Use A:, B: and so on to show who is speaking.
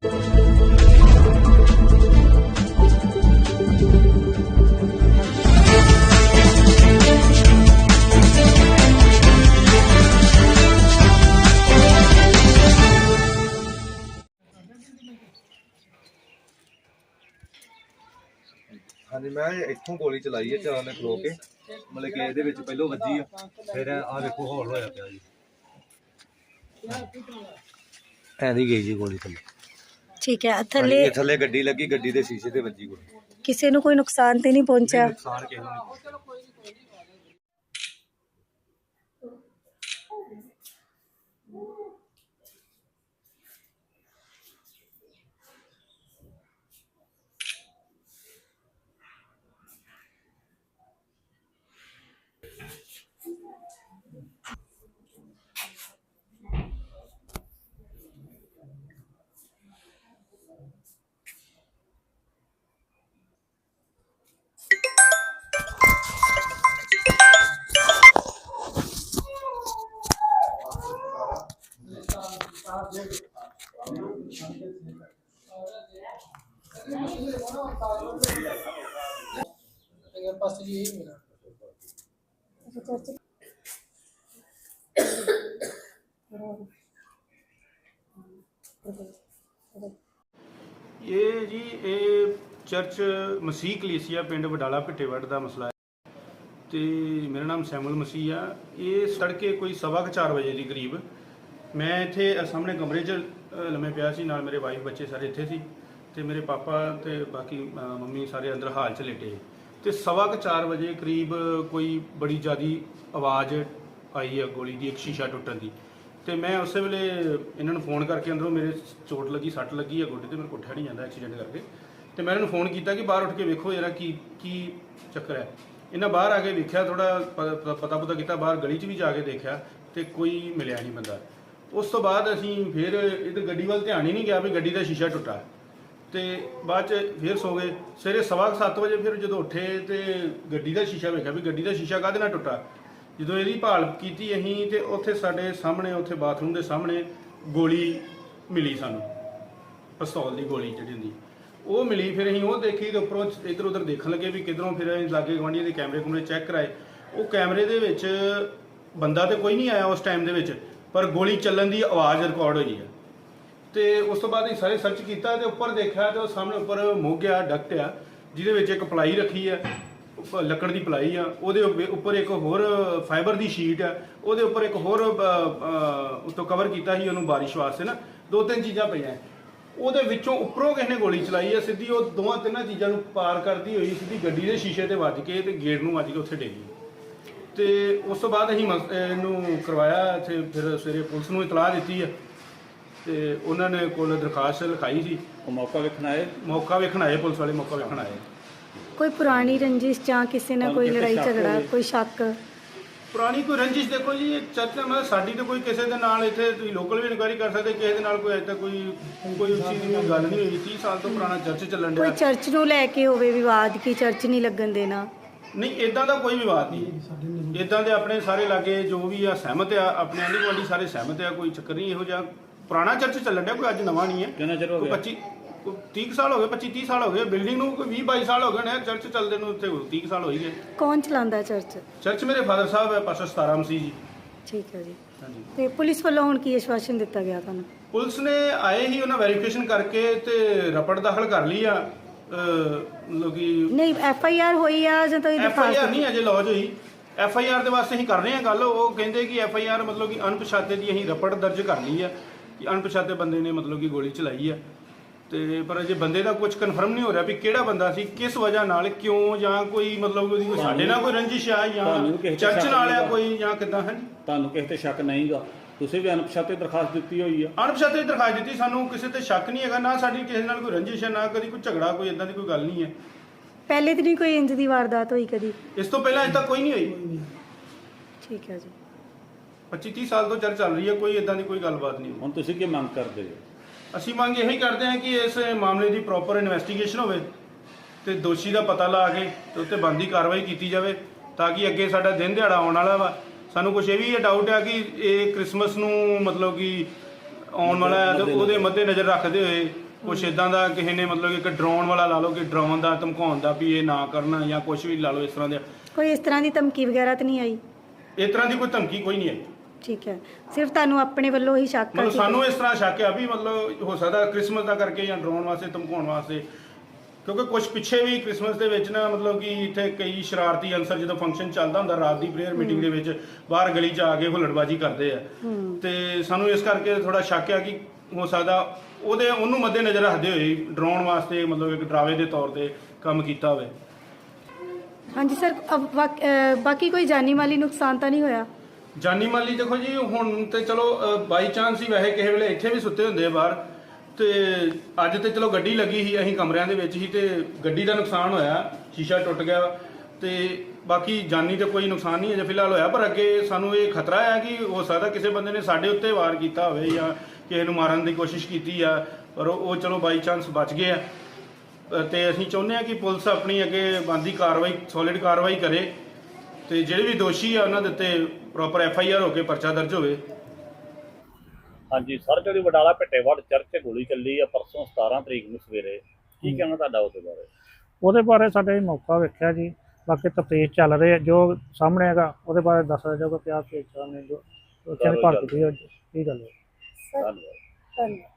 A: हाँ जी, मैं इत्थों गोली चलाई है चार ने खलो के, मतलब कि ਇਹਦੇ ਵਿੱਚ ਪਹਿਲੋਂ ਵੱਜੀ ਆ, ਫਿਰ ਆ ਵੇਖੋ ਹੌਲ ਹੋਇਆ ਪਿਆ ਜੀ। ਐਂਦੀ ਗਈ ਜੀ ਗੋਲੀ ਥੱਲੇ।
B: ठीक है। थले
A: ਥੱਲੇ ਗੱਡੀ ਲੱਗੀ, ਗੱਡੀ ਦੇ ਸ਼ੀਸ਼ੇ ਤੇ ਵੱਜੀ ਗੋਲੀ।
B: किसी ਨੂੰ कोई नुकसान तो नहीं पहुंचा?
A: ਨੁਕਸਾਨ ਕਿਸੇ ਨੂੰ ਨਹੀਂ।
C: ਇਹ ਜੀ ਚਰਚ ਮਸੀਹ ਕਲੀਸਿਆ ਪਿੰਡ ਵਡਾਲਾ ਭਿੱਟੇਵੱਡ ਦਾ ਮਸਲਾ ਹੈ ਤੇ ਮੇਰਾ ਨਾਮ ਸੈਮੂਅਲ ਮਸੀਹ ਆ। ਇਹ ਸੜਕੇ ਕੋਈ 4:15 ਵਜੇ ਦੀ ਕਰੀਬ ਮੈਂ ਇੱਥੇ ਸਾਹਮਣੇ ਕਮਰੇ 'ਚ ਲੰਮੇ ਪਿਆ ਸੀ, ਨਾਲ ਮੇਰੇ ਵਾਈਫ ਬੱਚੇ ਸਾਰੇ ਇੱਥੇ ਸੀ ਤੇ ਮੇਰੇ ਪਾਪਾ ਤੇ ਬਾਕੀ ਮੰਮੀ ਸਾਰੇ ਅੰਦਰ ਹਾਲ 'ਚ ਲੇਟੇ ਤੇ 4:15 ਵਜੇ ਕਰੀਬ ਕੋਈ ਬੜੀ ਜ਼ਿਆਦੀ ਆਵਾਜ਼ ਆਈ ਆ ਗੋਲੀ ਦੀ, ਇੱਕ ਸ਼ੀਸ਼ਾ ਟੁੱਟਣ ਦੀ। ਤੇ ਮੈਂ ਉਸੇ ਵੇਲੇ ਇਹਨਾਂ ਨੂੰ ਫੋਨ ਕਰਕੇ ਅੰਦਰੋਂ ਮੇਰੇ ਚੋਟ ਲੱਗੀ, ਸੱਟ ਲੱਗੀ ਆ ਗੋਡੇ ਤੇ, ਮੇਰੇ ਉੱਠਿਆ ਨਹੀਂ ਜਾਂਦਾ ਐਕਸੀਡੈਂਟ ਕਰਕੇ। ਤੇ ਮੈਂ ਇਹਨਾਂ ਨੂੰ ਫੋਨ ਕੀਤਾ ਕਿ ਬਾਹਰ ਉੱਠ ਕੇ ਵੇਖੋ ਜਰਾ ਕੀ ਚੱਕਰ ਹੈ। ਇਹਨਾਂ ਬਾਹਰ ਆ ਕੇ ਵੇਖਿਆ, ਥੋੜਾ ਪਤਾ ਕੀਤਾ, ਬਾਹਰ ਗਲੀ 'ਚ ਵੀ ਜਾ ਕੇ ਦੇਖਿਆ ਤੇ ਕੋਈ ਮਿਲਿਆ ਨਹੀਂ ਬੰਦਾ। ਉਸ ਤੋਂ ਬਾਅਦ ਅਸੀਂ ਫਿਰ ਇੱਧਰ ਗੱਡੀ ਵੱਲ ਧਿਆਨ ਹੀ ਨਹੀਂ ਗਿਆ ਵੀ ਗੱਡੀ ਦਾ ਸ਼ੀਸ਼ਾ ਟੁੱਟਾ ਤੇ ਬਾਅਦ 'ਚ ਫਿਰ ਸੋ ਗਏ। ਸਵੇਰੇ 7:15 ਵਜੇ ਫਿਰ ਜਦੋਂ ਉੱਠੇ ਤੇ ਗੱਡੀ ਦਾ ਸ਼ੀਸ਼ਾ ਵੇਖਿਆ ਵੀ ਗੱਡੀ ਦਾ ਸ਼ੀਸ਼ਾ ਕਾਹਦੇ ਨਾਲ ਟੁੱਟਾ। ਜਦੋਂ ਇਹਦੀ ਭਾਲ ਕੀਤੀ ਅਸੀਂ ਤੇ ਉੱਥੇ ਸਾਡੇ ਸਾਹਮਣੇ, ਉੱਥੇ ਬਾਥਰੂਮ ਦੇ ਸਾਹਮਣੇ ਗੋਲੀ ਮਿਲੀ ਸਾਨੂੰ, ਪਿਸਤੌਲ ਦੀ ਗੋਲੀ ਜਿਹੜੀ ਹੁੰਦੀ ਉਹ ਮਿਲੀ। ਫਿਰ ਅਸੀਂ ਉਹ ਦੇਖੀ ਤੇ ਉੱਪਰੋਂ ਇੱਧਰ ਉੱਧਰ ਦੇਖਣ ਲੱਗੇ ਵੀ ਕਿੱਧਰੋਂ, ਫਿਰ ਅਸੀਂ ਲਾਗੇ ਗੁਆਂਢੀਆਂ ਦੇ ਕੈਮਰੇ ਚੈੱਕ ਕਰਾਏ। ਉਹ ਕੈਮਰੇ ਦੇ ਵਿੱਚ ਬੰਦਾ ਤੇ ਕੋਈ ਨਹੀਂ ਆਇਆ ਉਸ ਟਾਈਮ ਦੇ ਵਿੱਚ, ਪਰ ਗੋਲੀ ਚੱਲਣ ਦੀ ਆਵਾਜ਼ ਰਿਕਾਰਡ ਹੋਈ ਹੈ। ਤੇ ਉਸ ਤੋਂ ਬਾਅਦ ਅਸੀਂ ਸਾਰੇ ਸਰਚ ਕੀਤਾ ਤੇ ਉੱਪਰ ਦੇਖਿਆ ਤੇ ਉਹ ਸਾਹਮਣੇ ਉੱਪਰ ਮੋਗਿਆ ਡਕਟ ਆ, ਜਿਹਦੇ ਵਿੱਚ ਇੱਕ ਪਲਾਈ ਰੱਖੀ ਆ, ਲੱਕੜ ਦੀ ਪਲਾਈ ਆ, ਉਹਦੇ ਉੱਪਰ ਇੱਕ ਹੋਰ ਫਾਈਬਰ ਦੀ ਸ਼ੀਟ ਆ, ਉਹਦੇ ਉੱਪਰ ਇੱਕ ਹੋਰ ਉੱਤੋਂ ਕਵਰ ਕੀਤਾ ਸੀ ਉਹਨੂੰ ਬਾਰਿਸ਼ ਵਾਸਤੇ ਨਾ, 2-3 ਚੀਜ਼ਾਂ ਪਈਆਂ। ਉਹਦੇ ਵਿੱਚੋਂ ਉੱਪਰੋਂ ਕਿਸੇ ਨੇ ਗੋਲੀ ਚਲਾਈ ਹੈ ਸਿੱਧੀ, ਉਹ 2-3 ਚੀਜ਼ਾਂ ਨੂੰ ਪਾਰ ਕਰਦੀ ਹੋਈ ਸਿੱਧੀ ਗੱਡੀ ਦੇ ਸ਼ੀਸ਼ੇ ਤੇ ਵੱਜ ਕੇ ਤੇ ਗੇਟ ਨੂੰ ਵੱਜ ਕੇ ਉੱਥੇ ਡਿੱਗੀ। ਤੇ ਉਸ ਤੋਂ ਬਾਅਦ ਅਸੀਂ ਇਹਨੂੰ ਕਰਵਾਇਆ ਇੱਥੇ, ਫਿਰ ਸਵੇਰੇ ਪੁਲਿਸ ਨੂੰ ਇਤਲਾਹ ਦਿੱਤੀ ਹੈ ਤੇ ਉਹਨਾਂ ਨੇ ਕੋਲ ਦਰਖਾਸਤ ਲਿਖਾਈ ਸੀ।
D: ਉਹ ਮੌਕਾ ਵੇਖਣ ਆਏ
C: ਪੁਲਿਸ ਵਾਲੇ ਮੌਕਾ ਵੇਖਣ ਆਏ।
B: कोई पुरानी रंजिश ਜਾਂ ਕਿਸੇ ਨਾਲ ਕੋਈ ਲੜਾਈ ਝਗੜਾ, ਕੋਈ ਸ਼ੱਕ?
C: ਪੁਰਾਣੀ ਕੋਈ ਰੰਜਿਸ਼ ਦੇਖੋ ਜੀ, ਇਹ ਚਰਚ ਮਤਲਬ ਸਾਡੀ ਤਾਂ ਕੋਈ ਕਿਸੇ ਦੇ ਨਾਲ ਇੱਥੇ ਤੁਸੀਂ ਲੋਕਲ ਵੀ ਇਨਕੁਆਇਰੀ ਕਰ ਸਕਦੇ, ਕਿਸੇ ਦੇ ਨਾਲ ਕੋਈ ਅਜੇ ਤੱਕ ਕੋਈ ਉਸ ਚੀਜ਼ ਦੀ ਗੱਲ ਨਹੀਂ ਹੋਈ। 30 ਸਾਲ ਤੋਂ ਪੁਰਾਣਾ ਚਰਚ ਚੱਲਣ ਡਿਆ।
B: ਕੋਈ ਚਰਚ ਨੂੰ ਲੈ ਕੇ ਹੋਵੇ ਵਿਵਾਦ ਕਿ ਚਰਚ ਨਹੀਂ ਲੱਗਣ ਦੇਣਾ?
C: ਨਹੀਂ, ਇਦਾਂ ਦਾ ਕੋਈ ਵਿਵਾਦ ਨਹੀਂ। ਇਦਾਂ ਦੇ ਆਪਣੇ ਸਾਰੇ ਲਾਗੇ ਜੋ ਵੀ ਆ ਸਹਿਮਤ ਆ, ਆਪਣੇ ਆਂਢੀ ਗੁਆਂਢੀ ਸਾਰੇ ਸਹਿਮਤ ਆ, ਕੋਈ ਚੱਕਰ ਨਹੀਂ ਇਹੋ ਜਿਹਾ। ਪੁਰਾਣਾ ਚਰਚ ਚੱਲਣ ਡਿਆ, ਕੋਈ ਅੱਜ ਨਵਾਂ ਨਹੀਂ ਹੈ।
D: ਕਿੰਨਾ ਚਿਰ ਹੋ ਗਿਆ?
C: 30 ਸਾਲ ਹੋ ਗਏ, 25-30 ਸਾਲ ਹੋ ਗਏ। ਬਿਲਡਿੰਗ ਨੂੰ ਕੋਈ 20-22 ਸਾਲ ਹੋ ਗਏ ਨੇ, ਚਰਚ ਚੱਲਦੇ ਨੂੰ ਉੱਥੇ 30 ਸਾਲ ਹੋ ਹੀ ਗਏ।
B: ਕੌਣ ਚਲਾਉਂਦਾ ਚਰਚ?
C: ਚਰਚ ਮੇਰੇ ਫਾਦਰ ਸਾਹਿਬ ਹੈ, ਪਾਸਟਰ ਸਤਾਰਾ ਮਸੀਹ ਜੀ।
B: ਠੀਕ ਹੈ ਜੀ।
C: ਹਾਂਜੀ।
B: ਤੇ ਪੁਲਿਸ ਵੱਲੋਂ ਹੁਣ ਕੀ ਆਸ਼ਵਾਸਨ ਦਿੱਤਾ ਗਿਆ ਤੁਹਾਨੂੰ?
C: ਪੁਲਿਸ ਨੇ ਆਏ ਹੀ, ਉਹਨਾਂ ਵੈਰੀਫਿਕੇਸ਼ਨ ਕਰਕੇ ਤੇ ਰਪਟ ਦਾਖਲ ਕਰ ਲਈ ਆ। ਮਤਲਬ ਕਿ
B: ਨਹੀਂ FIR ਹੋਈ ਆ ਜਾਂ ਤਾਂ
C: FIR ਨਹੀਂ ਅਜੇ ਲੌਜ ਹੋਈ। FIR ਦੇ ਵਾਸਤੇ ਅਸੀਂ ਕਰ ਰਹੇ ਹਾਂ ਗੱਲ। ਉਹ ਕਹਿੰਦੇ ਕਿ FIR ਮਤਲਬ ਕਿ ਅਣਪਛਾਤੇ ਦੀ ਅਸੀਂ ਰਪਟ ਦਰਜ ਕਰ ਲਈ ਆ ਕਿ ਅਣਪਛਾਤੇ ਬੰਦੇ ਨੇ ਮਤਲਬ ਕਿ ਗੋਲੀ ਚਲਾਈ ਆ। ਤੇ ਪਰ ਅਜੇ ਬੰਦੇ ਦਾ ਕੁਝ ਕਨਫਰਮ ਨਹੀਂ ਹੋ ਰਿਹਾ ਵੀ ਕਿਹੜਾ ਬੰਦਾ ਸੀ, ਕਿਸ ਵਜ੍ਹਾ ਨਾਲ, ਕਿਉਂ, ਜਾਂ ਕੋਈ ਮਤਲਬ ਉਹਦੀ ਕੋਈ ਸਾਡੇ ਨਾਲ ਕੋਈ ਰੰਜਿਸ਼ ਆ ਜਾਂ ਚਰਚ ਨਾਲ ਆ ਕੋਈ, ਜਾਂ ਕਿੱਦਾਂ ਹੈ।
D: ਤੁਹਾਨੂੰ ਕਿਸੇ ਤੇ ਸ਼ੱਕ ਨਹੀਂਗਾ? ਤੁਸੀਂ ਵੀ ਅਣਪਛਾਤੇ ਦਰਖਾਸਤ ਦਿੱਤੀ ਹੋਈ ਆ?
C: ਅਣਪਛਾਤੇ ਦਰਖਾਸਤ ਦਿੱਤੀ, ਸਾਨੂੰ ਕਿਸੇ ਤੇ ਸ਼ੱਕ ਨਹੀਂ ਹੈਗਾ, ਨਾ ਸਾਡੀ ਕਿਸੇ ਨਾਲ ਕੋਈ ਰੰਜਿਸ਼ ਹੈ, ਨਾ ਕਦੀ ਕੋਈ ਝਗੜਾ, ਕੋਈ ਇਦਾਂ ਦੀ ਕੋਈ ਗੱਲ ਨਹੀਂ ਹੈ।
B: ਪਹਿਲੇ ਦਿਨ ਕੋਈ ਇੰਜ ਦੀ ਵਾਰਦਾਤ ਹੋਈ ਕਦੀ?
C: ਇਸ ਤੋਂ ਪਹਿਲਾਂ ਅਜੇ ਤੱਕ ਕੋਈ ਨਹੀਂ ਹੋਈ।
B: ਠੀਕ ਹੈ ਜੀ।
C: 25-30 ਸਾਲ ਤੋਂ ਚਰਚ ਚੱਲ ਰਹੀ ਹੈ, ਕੋਈ ਇਦਾਂ ਦੀ ਕੋਈ ਗੱਲਬਾਤ ਨਹੀਂ।
D: ਹੁਣ ਤੁਸੀਂ ਕੀ ਮੰਗ ਕਰਦੇ ਹੋ?
C: ਅਸੀਂ ਮੰਗ ਇਹੀ ਕਰਦੇ ਹਾਂ ਕਿ ਇਸ ਮਾਮਲੇ ਦੀ ਪ੍ਰੋਪਰ ਇਨਵੈਸਟੀਗੇਸ਼ਨ ਹੋਵੇ ਤੇ ਦੋਸ਼ੀ ਦਾ ਪਤਾ ਲਾ ਕੇ ਤੇ ਉੱਤੇ ਬਣਦੀ ਕਾਰਵਾਈ ਕੀਤੀ ਜਾਵੇ, ਤਾਂ ਕਿ ਅੱਗੇ ਸਾਡਾ ਦਿਨ ਦਿਹਾੜਾ ਆਉਣ ਵਾਲਾ ਵਾ। ਸਾਨੂੰ ਕੁਝ ਇਹ ਵੀ ਡਾਊਟ ਹੈ ਕਿ ਇਹ ਕ੍ਰਿਸਮਸ ਨੂੰ ਮਤਲਬ ਕਿ ਆਉਣ ਵਾਲਾ ਹੈ ਤੇ ਉਹਦੇ ਮੱਦੇ ਨਜ਼ਰ ਰੱਖਦੇ ਹੋਏ ਕੁਛ ਇਦਾਂ ਦਾ ਕਿਸੇ ਨੇ ਮਤਲਬ ਇੱਕ ਡਰਾਉਣ ਵਾਲਾ ਲਾ ਲਓ ਕਿ ਡਰਾਉਣ ਦਾ ਧਮਕਾਉਣ ਦਾ ਵੀ ਇਹ ਨਾ ਕਰਨਾ ਜਾਂ ਕੁਝ ਵੀ ਲਾ ਲਓ ਇਸ ਤਰ੍ਹਾਂ ਦੇ।
B: ਕੋਈ ਇਸ ਤਰ੍ਹਾਂ ਦੀ ਧਮਕੀ ਵਗੈਰਾ ਤਾਂ ਨਹੀਂ ਆਈ?
C: ਇਸ ਤਰ੍ਹਾਂ ਦੀ ਕੋਈ ਧਮਕੀ ਕੋਈ ਨਹੀਂ ਆਈ।
B: ਠੀਕ ਹੈ, ਸਿਰਫ ਤੁਹਾਨੂੰ ਆਪਣੇ ਵੱਲੋਂ ਹੀ ਸ਼ੱਕ ਆ
C: ਮਤਲਬ
B: ਕਿ
C: ਸਾਨੂੰ ਇਸ ਤਰ੍ਹਾਂ ਸ਼ੱਕ ਆ ਵੀ ਮਤਲਬ ਹੋ ਸਕਦਾ ਕ੍ਰਿਸਮਸ ਦਾ ਕਰਕੇ ਜਾਂ ਡਰਾਉਣ ਵਾਸਤੇ ਧਮਕਾਉਣ ਵਾਸਤੇ, ਕਿਉਂਕਿ ਕੁਝ ਪਿੱਛੇ ਵੀ ਕ੍ਰਿਸਮਸ ਦੇ ਵਿੱਚ ਨਾ ਮਤਲਬ ਕਿ ਇੱਥੇ ਕਈ ਸ਼ਰਾਰਤੀ ਅਨਸਰ ਜਦੋਂ ਫੰਕਸ਼ਨ ਚੱਲਦਾ ਹੁੰਦਾ ਰਾਤ ਦੀ ਪ੍ਰੇਅਰ ਮੀਟਿੰਗ ਦੇ ਵਿੱਚ ਬਾਹਰ ਗਲੀ 'ਚ ਆ ਕੇ ਹੁੱਲੜਬਾਜੀ ਕਰਦੇ ਆ। ਤੇ ਸਾਨੂੰ ਇਸ ਕਰਕੇ ਥੋੜਾ ਸ਼ੱਕ ਆ ਕਿ ਹੋ ਸਕਦਾ ਉਹਨੂੰ ਮੱਦੇ ਨਜ਼ਰ ਰੱਖਦੇ ਹੋਏ ਡਰਾਉਣ ਵਾਸਤੇ ਮਤਲਬ ਇੱਕ ਡਰਾਵੇ ਦੇ ਤੌਰ ਤੇ ਕੰਮ ਕੀਤਾ ਹੋਵੇ।
B: ਹਾਂਜੀ ਸਰ, ਬਾਕੀ ਕੋਈ ਜਾਨੀ ਮਾਲੀ ਨੁਕਸਾਨ ਤਾਂ ਨਹੀਂ ਹੋਇਆ?
C: ਜਾਨੀ ਮਾਲੀ ਦੇਖੋ ਜੀ ਹੁਣ ਤੇ ਚਲੋ ਬਾਈ ਚਾਂਸ ਹੀ ਵੈਸੇ ਕਿਸੇ ਵੇਲੇ ਇੱਥੇ ਵੀ ਸੁੱਤੇ ਹੁੰਦੇ ਆ ਬਾਹਰ, ਤੇ ਅੱਜ ਤੇ ਚਲੋ ਗੱਡੀ ਲੱਗੀ ਸੀ, ਅਸੀਂ ਕਮਰਿਆਂ ਦੇ ਵਿੱਚ ਹੀ ਤੇ ਗੱਡੀ ਦਾ ਨੁਕਸਾਨ ਹੋਇਆ, ਸ਼ੀਸ਼ਾ ਟੁੱਟ ਗਿਆ ਤੇ ਬਾਕੀ ਜਾਨੀ ਤੇ ਕੋਈ ਨੁਕਸਾਨ ਨਹੀਂ ਅਜੇ ਫਿਲਹਾਲ ਹੋਇਆ। ਪਰ ਅੱਗੇ ਸਾਨੂੰ ਇਹ ਖਤਰਾ ਹੈ ਕਿ ਹੋ ਸਕਦਾ ਕਿਸੇ ਬੰਦੇ ਨੇ ਸਾਡੇ ਉੱਤੇ ਵਾਰ ਕੀਤਾ ਹੋਵੇ ਜਾਂ ਕਿਸੇ ਨੂੰ ਮਾਰਨ ਦੀ ਕੋਸ਼ਿਸ਼ ਕੀਤੀ ਆ, ਪਰ ਉਹ ਚਲੋ ਬਾਈ ਚਾਂਸ ਬਚ ਗਏ ਆ। ਤੇ ਅਸੀਂ ਚਾਹੁੰਦੇ ਆ ਕਿ ਪੁਲਿਸ ਆਪਣੀ ਅੱਗੇ ਬਣਦੀ ਕਾਰਵਾਈ ਸੋਲਿਡ ਕਾਰਵਾਈ ਕਰੇ ਤੇ ਜਿਹੜੇ ਵੀ ਦੋਸ਼ੀ ਆ ਉਹਨਾਂ ਦੇ ਉੱਤੇ ਪ੍ਰੋਪਰ FIR ਹੋ ਕੇ ਪਰਚਾ ਦਰਜ ਹੋਵੇ।
D: ਹਾਂਜੀ ਸਰ, ਜਿਹੜੀ ਵਡਾਲਾ ਭਿੱਟੇਵੜ ਚਰਚ 'ਚ ਗੋਲੀ ਚੱਲੀ ਆ ਪਰਸੋਂ 17 ਤਰੀਕ ਨੂੰ ਸਵੇਰੇ, ਕੀ ਕਹਿਣਾ ਤੁਹਾਡਾ ਉਹਦੇ ਬਾਰੇ?
E: ਉਹਦੇ ਬਾਰੇ ਸਾਡੇ ਮੌਕਾ ਵੇਖਿਆ ਜੀ, ਬਾਕੀ ਤਫਤੀਸ਼ ਚੱਲ ਰਹੀ ਹੈ, ਜੋ ਸਾਹਮਣੇ ਹੈਗਾ ਉਹਦੇ ਬਾਰੇ ਦੱਸਿਆ ਜਾਊਗਾ ਕਿ ਆਹ ਕੇਸ ਨੇ ਜੋ ਉੱਥੇ ਭਾਰਤ ਦੀ ਇਹ ਗੱਲ ਹੈ।
D: ਧੰਨਵਾਦ।